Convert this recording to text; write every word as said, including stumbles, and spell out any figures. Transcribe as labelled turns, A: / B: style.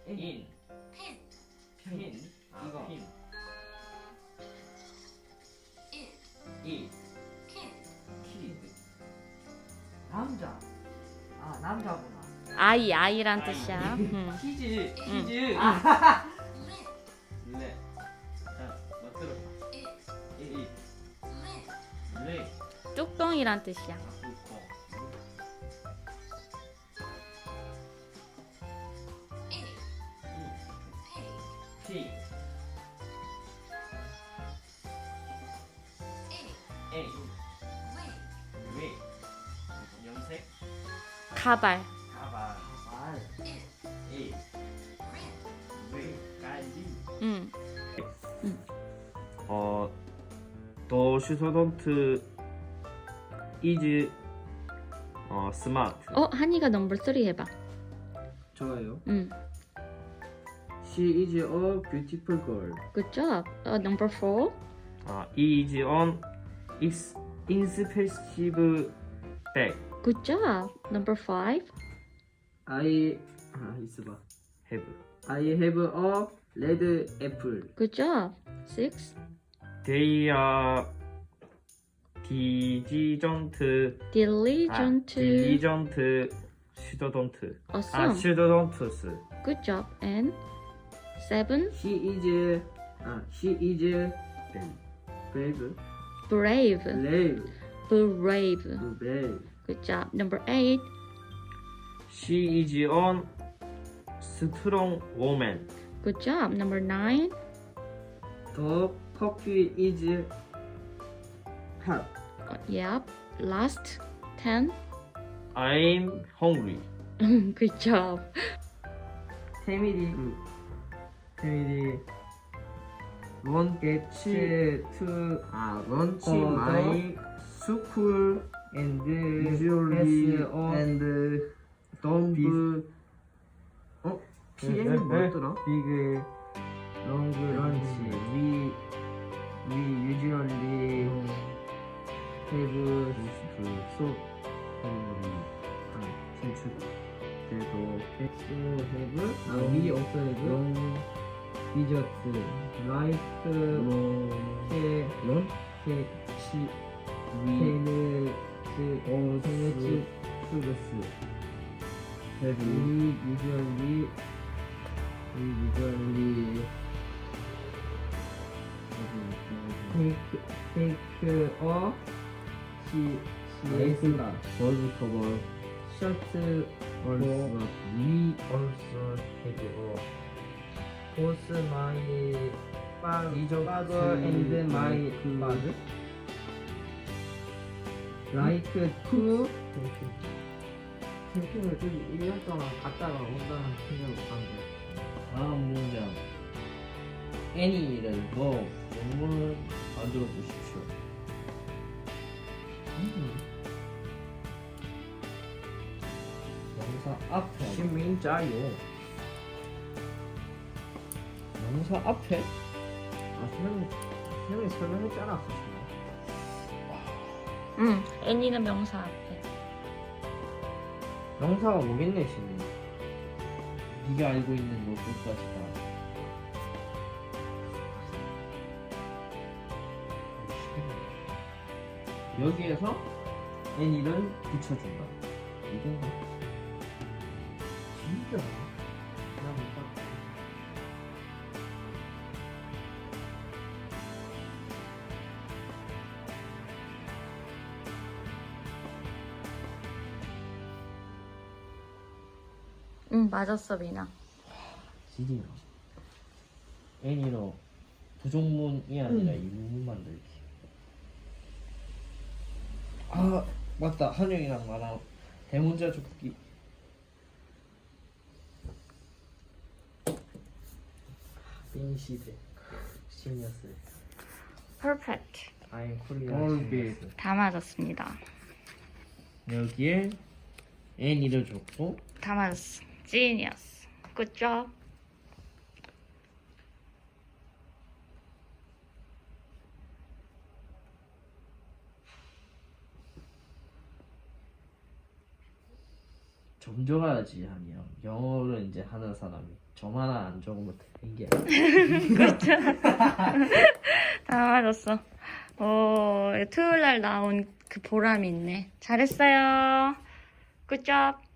A: 인,
B: 펜,
A: 핀, 아,
C: 이거.
A: 핀,
B: 일,
A: 이,
B: 킨,
A: 키드,
C: 남자. 아 남자구나.
D: 아이 아이란
A: 아이.
D: 뜻이야. 음.
A: 키즈,
D: 응.
A: 키즈,
C: 아.
B: 렛,
A: 네. 자, 너 들어봐.
B: 일,
A: 이, 이,
B: 렛,
A: 레이,
D: 뚝똥이란 뜻이야.
A: 아, 뚜껑,
B: 일,
A: 이,
B: 페이,
A: 피,
B: 일,
A: 에이,
B: 웨이,
A: 웨이, 염색,
D: 가발.
A: 가발,
C: 말.
B: 일,
A: 이,
B: 렌,
A: 웨이, 깔리.
D: 음.
E: 어, 더 슈터던트 이즈 어, 스마트.
D: 어 한이가 넘버 쓰리 해봐.
C: 좋아요.
D: 음.
C: She is a beautiful girl.
D: Good job. 어 number four.
E: 아, is on ex inexpensive bag.
D: Good job. Number five.
C: I 아 있어봐.
E: have.
C: I have a red apple.
D: Good job. Six.
E: They are diligent. 아,
D: Diligent.
E: diligent student. 아,
D: Awesome.
E: students.
D: Good job. And seven.
C: She is 아 she is brave.
D: Brave.
C: brave.
D: Brave.
C: brave.
D: Good job. Number eight.
E: She is on strong woman.
D: Good job. Number nine.
C: The coffee is hot.
D: Uh, yep. Last. Ten.
E: I'm hungry.
D: Good job.
C: Family. Family. Won't get to 아 lunch
E: 어,
C: my school and usually and don't 어 피엠이 뭐였더라? Big long lunch. We we usually have so 진출 그래도 so have 아 we also have long dessert like 케 런? 케치 케네츠 어 케네츠 프루스 have we usually we usually take take a 시 시에스다 벌브 커버 셔츠 also we also take a both my father and my father like to 캠핑을 저기 일 년 동안 갔다가 온다는 생각을 하는데
A: 다음 문장. 애니를 뭐 영문을 만들어 보십시오. 명사 앞에.
C: 신민자요
A: 명사 앞에?
C: 아 선생님 선생님 설명했잖아
D: 응. 애니는 명사 앞에.
C: 명사가 뭐겠네 지금
A: 네가 알고 있는 것까지 다. 여기에서
C: 애니를 붙여준다 이건가? 진짜 나 뭔가
D: 응 맞았어 미나.
A: 드디어 애니로 부족문이 아니라 일문 만들기. 아 맞다, 한영이랑 나랑 대문자 줍기.
C: 빈시대 시니어스
D: Perfect.
C: I'm Korean
A: 얼빗.
D: 다 맞았습니다.
A: 여기에 애니를 줬고
D: 다 맞았어. Genius. Good job.
A: 좀 적어야지 하면 영어를 이제 하는 사람이 점 하나 안 적으면 되는 게
D: 다 맞았어. 오, 토요일 날 나온 그 보람이 있네. 잘했어요. 굿잡.